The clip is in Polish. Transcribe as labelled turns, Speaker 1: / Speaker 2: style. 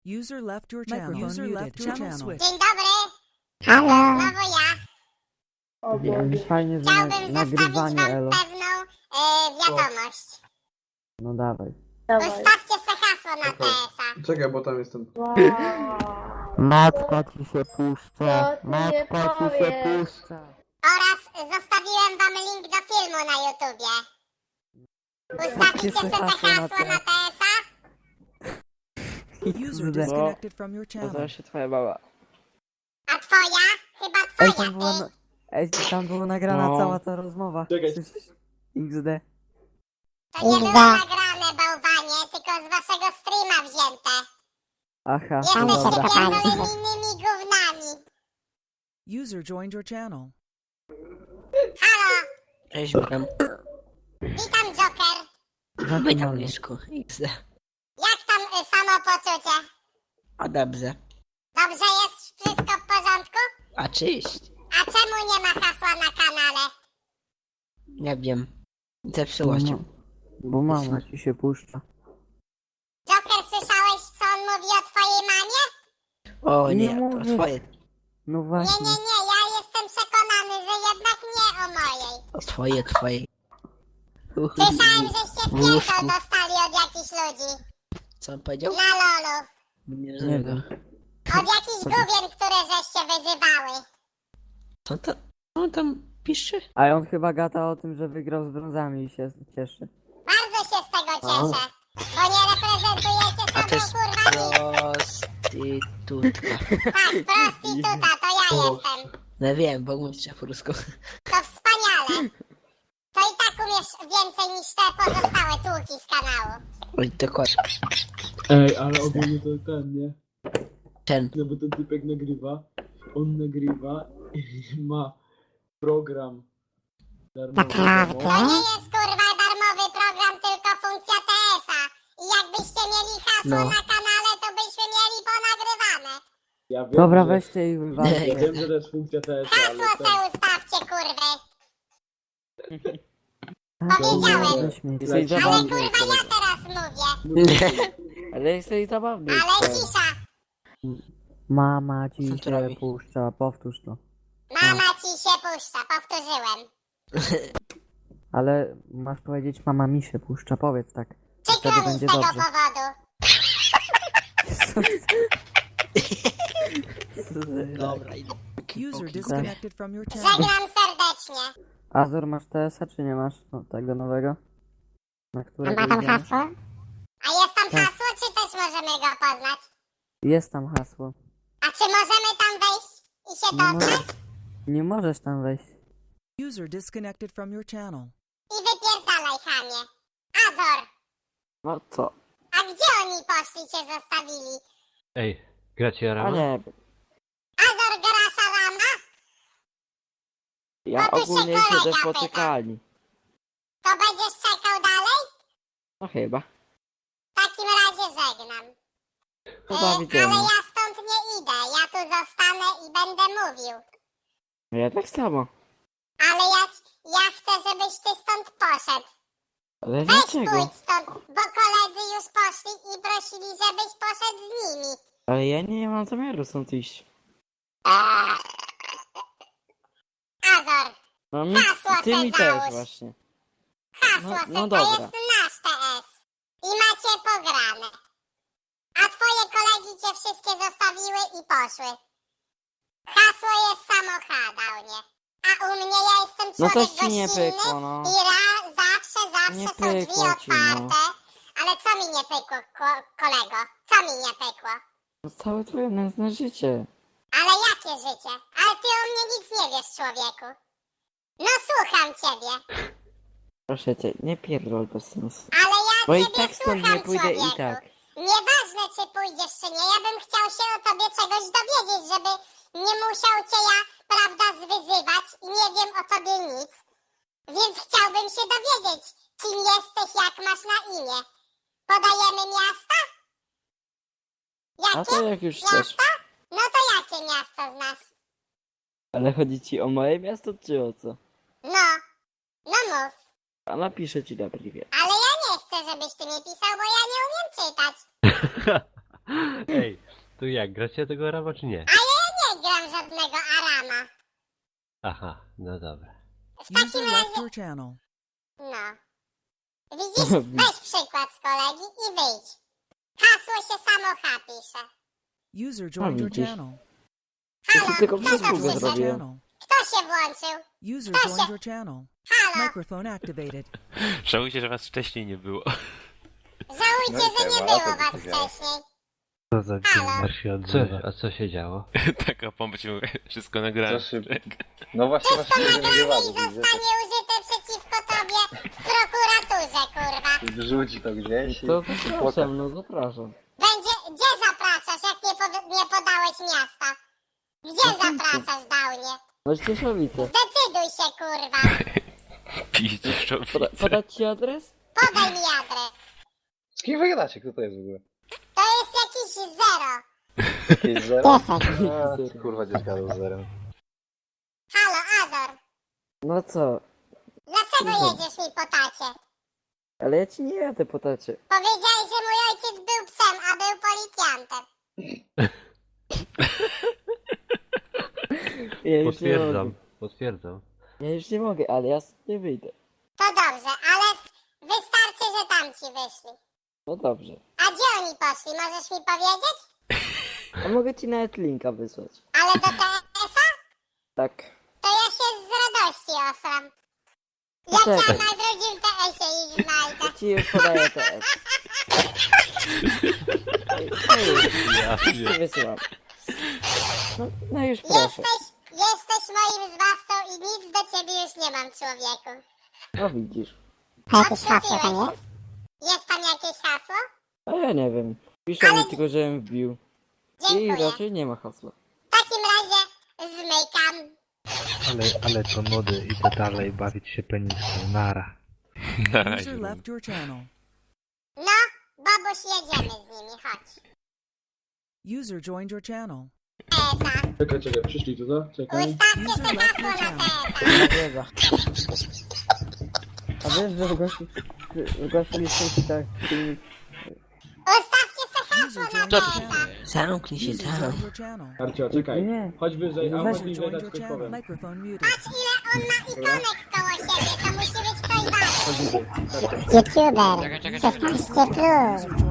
Speaker 1: User left your channel. User left your channel.
Speaker 2: Dzień dobry,
Speaker 3: Halo.
Speaker 2: znowu ja.
Speaker 3: Wiem, fajnie, że
Speaker 2: Chciałbym zostawić
Speaker 3: nagrywanie,
Speaker 2: wam
Speaker 3: Elo.
Speaker 2: pewną wiadomość.
Speaker 3: No dawaj.
Speaker 2: Ustawcie se hasło na TS-a.
Speaker 4: Czekaj, bo tam jestem.
Speaker 3: Matka ci się puszcza.
Speaker 5: Co ty nie powiesz?
Speaker 2: Oraz zostawiłem wam link do filmu na YouTubie. Ustawicie se te hasło na TS-a?
Speaker 1: User disconnected from your
Speaker 6: To
Speaker 1: channel.
Speaker 6: zaraz się twoja baba.
Speaker 2: A twoja? Chyba
Speaker 3: Ej,
Speaker 2: twoja,
Speaker 3: tam była,
Speaker 2: ty.
Speaker 3: tam była nagrana
Speaker 6: No.
Speaker 3: cała ta rozmowa.
Speaker 4: Czekaj.
Speaker 3: Słyszysz? XD.
Speaker 2: To nie było nagrane, bałwanie, tylko z waszego streama wzięte.
Speaker 3: Aha,
Speaker 2: Jesteście
Speaker 3: no dobra.
Speaker 2: pierdolonymi gównami.
Speaker 1: User joined your channel.
Speaker 2: Halo,
Speaker 6: Cześć, witam.
Speaker 2: witam Joker.
Speaker 6: Witam, Mieszku. XD.
Speaker 2: Jak tam samopoczucie?
Speaker 6: A dobrze.
Speaker 2: Dobrze jest? Wszystko w porządku?
Speaker 6: A czyść?
Speaker 2: A czemu nie ma hasła na kanale?
Speaker 6: Nie wiem. Zepsuło się.
Speaker 3: Bo mama ci się puszcza.
Speaker 2: Joker, słyszałeś, co on mówi o twojej mamie?
Speaker 6: O
Speaker 3: Nie
Speaker 6: nie,
Speaker 3: mówię.
Speaker 6: to twoje.
Speaker 3: No
Speaker 2: Nie,
Speaker 3: właśnie.
Speaker 2: ja jestem przekonany, że jednak nie o mojej.
Speaker 6: To twoje.
Speaker 2: Słyszałem, żeście
Speaker 6: W łóżku.
Speaker 2: pierdol dostali od jakichś ludzi.
Speaker 6: Co on powiedział?
Speaker 2: Na lolu.
Speaker 6: Nie
Speaker 3: Nie
Speaker 6: rozumiem
Speaker 3: wiem.
Speaker 6: go.
Speaker 2: Od jakichś gówien, które żeście wyzywały.
Speaker 6: Co to? Co on tam pisze?
Speaker 3: A on chyba gada o tym, że wygrał z brązami i się cieszy.
Speaker 2: Bardzo się z tego cieszę. Bo nie reprezentujecie
Speaker 6: A to jest
Speaker 2: sobą, kurwa,
Speaker 6: prostytutka.
Speaker 2: Tak, prostytuta, to ja jestem.
Speaker 6: No wiem, bo mówisz po rusku.
Speaker 2: To wspaniale. To i tak umiesz więcej niż te pozostałe tłuki z kanału.
Speaker 6: Oj, dokładnie.
Speaker 4: Ej, ale ogólnie to ten, nie?
Speaker 6: Ten.
Speaker 4: No bo ten typek nagrywa, on nagrywa i ma program darmowy.
Speaker 2: To nie jest kurwa darmowy program, tylko funkcja TS-a. I jakbyście mieli hasło
Speaker 6: No.
Speaker 2: na kanale, to byśmy mieli ponagrywane.
Speaker 4: Ja wiem,
Speaker 3: Dobra,
Speaker 4: że,
Speaker 3: weźcie i wywalcie.
Speaker 4: ja wiem, że to jest funkcja TS, ale
Speaker 2: Hasło
Speaker 4: ten...
Speaker 2: se ustawcie, kurwy.
Speaker 3: Tak,
Speaker 2: Powiedziałem.
Speaker 3: nie śmiej.
Speaker 4: Ale
Speaker 3: Jesteś
Speaker 2: Ale
Speaker 3: zabawny.
Speaker 2: kurwa ja teraz mówię.
Speaker 3: Ale jesteś zabawny.
Speaker 2: Ale cisza.
Speaker 3: Mama ci
Speaker 6: Co to
Speaker 3: się
Speaker 6: robi?
Speaker 3: puszcza, powtórz to.
Speaker 2: Mama ci się puszcza, powtórzyłem.
Speaker 3: Ale masz powiedzieć, mama mi się puszcza, powiedz tak.
Speaker 2: Przykro
Speaker 3: Wtedy
Speaker 2: mi z
Speaker 3: będzie
Speaker 2: tego
Speaker 3: dobrze.
Speaker 2: powodu.
Speaker 6: Dobra, idę.
Speaker 1: User disconnected from your channel.
Speaker 2: Żegnam serdecznie.
Speaker 3: Azor, masz TS-a czy nie masz? No, tego nowego? Na którego
Speaker 2: Ma tam
Speaker 3: idziemy?
Speaker 2: hasło? A jest tam
Speaker 3: Tak.
Speaker 2: hasło, czy też możemy go poznać?
Speaker 3: Jest tam hasło.
Speaker 2: A czy możemy tam wejść i się
Speaker 3: Nie,
Speaker 2: dostać?
Speaker 3: nie możesz tam wejść.
Speaker 1: User disconnected from your channel.
Speaker 2: I wypierdalaj, chamie. Azor,
Speaker 6: No co?
Speaker 2: a gdzie oni poszli, cię zostawili?
Speaker 7: Ej, gracie
Speaker 6: A
Speaker 7: Rama?
Speaker 6: nie,
Speaker 2: Azor gra szalama?
Speaker 6: ja
Speaker 2: No tu się
Speaker 6: ogólnie
Speaker 2: kolega
Speaker 6: siedzę w
Speaker 2: pyta.
Speaker 6: poczekalni.
Speaker 2: To będziesz czekał dalej?
Speaker 6: No chyba.
Speaker 2: W takim razie żegnam.
Speaker 6: To
Speaker 2: Ale
Speaker 6: widzimy.
Speaker 2: ja stąd nie idę, ja tu zostanę i będę mówił.
Speaker 6: Ja tak samo.
Speaker 2: Ale ja chcę, żebyś ty stąd poszedł.
Speaker 6: Ale
Speaker 2: Weź
Speaker 6: dlaczego?
Speaker 2: pójdź stąd, bo koledzy już poszli i prosili, żebyś poszedł z nimi.
Speaker 6: Ale ja nie mam zamiaru stąd iść.
Speaker 2: Azor,
Speaker 6: No mi,
Speaker 2: Hasło
Speaker 6: ty
Speaker 2: se
Speaker 6: mi
Speaker 2: załóż.
Speaker 6: też właśnie.
Speaker 2: hasło
Speaker 6: No-
Speaker 2: se,
Speaker 6: no
Speaker 2: to
Speaker 6: dobra.
Speaker 2: jest nasz TS. I macie pograne. A twoje kolegi cię wszystkie zostawiły i poszły. Hasło jest samochadalnie. A u mnie ja jestem
Speaker 6: No
Speaker 2: człowiek
Speaker 6: to ci nie
Speaker 2: gościnny
Speaker 6: pykło, no.
Speaker 2: i zawsze
Speaker 6: Nie
Speaker 2: są drzwi
Speaker 6: pykło ci, no.
Speaker 2: otwarte. Ale co mi nie pykło, kolego? Co mi nie pykło?
Speaker 6: No całe twoje nędzne życie.
Speaker 2: Ale jakie życie? Ale ty o mnie nic nie wiesz, człowieku. No słucham ciebie.
Speaker 6: Proszę cię, nie pierdol bez sensu.
Speaker 2: Ale ja
Speaker 6: Bo i
Speaker 2: ciebie
Speaker 6: tak stąd
Speaker 2: słucham,
Speaker 6: nie pójdę
Speaker 2: człowieku.
Speaker 6: i tak.
Speaker 2: Nieważne, czy pójdziesz, czy nie. Ja bym chciał się o tobie czegoś dowiedzieć, żeby nie musiał cię ja, prawda, zwyzywać i nie wiem o tobie nic. Więc chciałbym się dowiedzieć, kim jesteś, jak masz na imię. Podajemy miasta?
Speaker 6: A
Speaker 2: Jakie?
Speaker 6: to jak już chcesz.
Speaker 2: Miasta? No to jakie miasto znasz?
Speaker 6: Ale chodzi ci o moje miasto czy o co?
Speaker 2: No, no mów.
Speaker 6: A napiszę ci na priwie.
Speaker 2: Ale ja nie chcę, żebyś ty mi pisał, bo ja nie umiem czytać.
Speaker 7: Ej, to jak, gracie tego Arama czy nie?
Speaker 2: Nie gram żadnego Arama.
Speaker 7: Aha, no dobra.
Speaker 2: W takim
Speaker 1: User left
Speaker 2: razie,
Speaker 1: your channel.
Speaker 2: no. Widzisz? Weź przykład z kolegi i wyjdź. Hasło się samo H pisze.
Speaker 1: User joined your
Speaker 6: widzisz.
Speaker 1: channel.
Speaker 2: Halo,
Speaker 6: tylko
Speaker 2: kto to
Speaker 6: przysługę
Speaker 2: przyszedł?
Speaker 6: zrobiłem.
Speaker 1: Channel.
Speaker 2: Kto się włączył?
Speaker 1: User
Speaker 2: Proszę.
Speaker 1: joined your channel.
Speaker 2: Halo,
Speaker 1: Microphone activated.
Speaker 8: Żałujcie, że was wcześniej nie było.
Speaker 2: żałujcie, że nie było was wcześniej.
Speaker 7: Co za
Speaker 2: Halo.
Speaker 7: gamer się odzywa? A co się działo?
Speaker 8: Taka pompa ci mówię, wszystko nagrałem.
Speaker 9: No właśnie,
Speaker 2: Wszystko
Speaker 9: właśnie
Speaker 2: nagrane i
Speaker 9: nagrywamy,
Speaker 2: zostanie użyte przeciwko tobie w prokuraturze, kurwa.
Speaker 9: wrzuci to gdzieś i...
Speaker 6: To zapraszam, no zapraszam.
Speaker 2: Gdzie zapraszasz, jak nie podałeś miasta? Gdzie zapraszasz, Downie?
Speaker 6: No Cieszowice.
Speaker 2: Zdecyduj się, kurwa.
Speaker 8: Piździ szczowice.
Speaker 6: Podać ci adres?
Speaker 2: Podaj mi adres.
Speaker 9: Z kim wygadacie? Kto to jest w ogóle?
Speaker 2: To jest jakiś zero.
Speaker 9: Jakieś zero?
Speaker 2: Piesek.
Speaker 9: A, kurwa, dziecka z zerem.
Speaker 2: Halo, Azor.
Speaker 6: No co?
Speaker 2: Dlaczego jedziesz mi po tacie?
Speaker 6: Ale ja ci nie jadę po tacie.
Speaker 2: Powiedziałeś, że mój ojciec był psem, a był policjantem.
Speaker 6: Ja już nie
Speaker 7: Potwierdzam,
Speaker 6: mogę.
Speaker 7: potwierdzam.
Speaker 6: Ja już nie mogę, ale ja stąd nie wyjdę.
Speaker 2: To dobrze, ale wystarczy, że tamci wyszli.
Speaker 6: No dobrze.
Speaker 2: A gdzie oni poszli, możesz mi powiedzieć?
Speaker 6: A mogę ci nawet linka wysłać.
Speaker 2: Ale do TS-a?
Speaker 6: Tak.
Speaker 2: To ja się z radości osram. Jak ja
Speaker 6: Poczekaj.
Speaker 2: na drugim TS-ie ich znajdę.
Speaker 6: Ci już podaję TS. No już ci wysyłam. No już proszę.
Speaker 2: Jesteś moim zbawcą i nic do ciebie już nie mam, człowieku.
Speaker 6: No widzisz.
Speaker 2: A jakieś hasło tam jest? Jest tam jakieś hasło?
Speaker 6: A ja nie wiem. Pisze mi tylko, żebym wbił. I
Speaker 2: Dziękuję.
Speaker 6: raczej nie ma hasła.
Speaker 2: W takim razie zmykam.
Speaker 7: Ale to mody, idę dalej bawić się peniską, nara.
Speaker 8: Na razie.
Speaker 1: User left your channel.
Speaker 2: No, Bobuś, jedziemy z nimi, chodź.
Speaker 1: User joined your channel.
Speaker 2: TS-a.
Speaker 4: Czekaj, przyszli tu, co? Czekaj.
Speaker 2: Ustawcie sobie hasło na TS-a.
Speaker 3: Wiedza. A wiesz, że zgłaszaliśmy ci tak filmik.
Speaker 2: Ustawcie sobie hasło
Speaker 1: User
Speaker 2: na
Speaker 1: joined your
Speaker 2: TS-a.
Speaker 1: channel.
Speaker 5: Zamknij się
Speaker 1: User
Speaker 5: tam.
Speaker 1: joined your channel.
Speaker 4: Arcio, czekaj.
Speaker 3: Nie.
Speaker 4: Chodź wyżej, a
Speaker 3: Weź-
Speaker 4: chodź mi
Speaker 1: User
Speaker 4: dać
Speaker 1: joined your
Speaker 4: coś
Speaker 1: channel.
Speaker 4: powiem.
Speaker 1: Microphone muted.
Speaker 2: Patrz, ile on ma ikonek koło siebie, to musi być ktoś ważny.
Speaker 4: Chodź wyżej.
Speaker 2: YouTuber 16+.
Speaker 1: User joined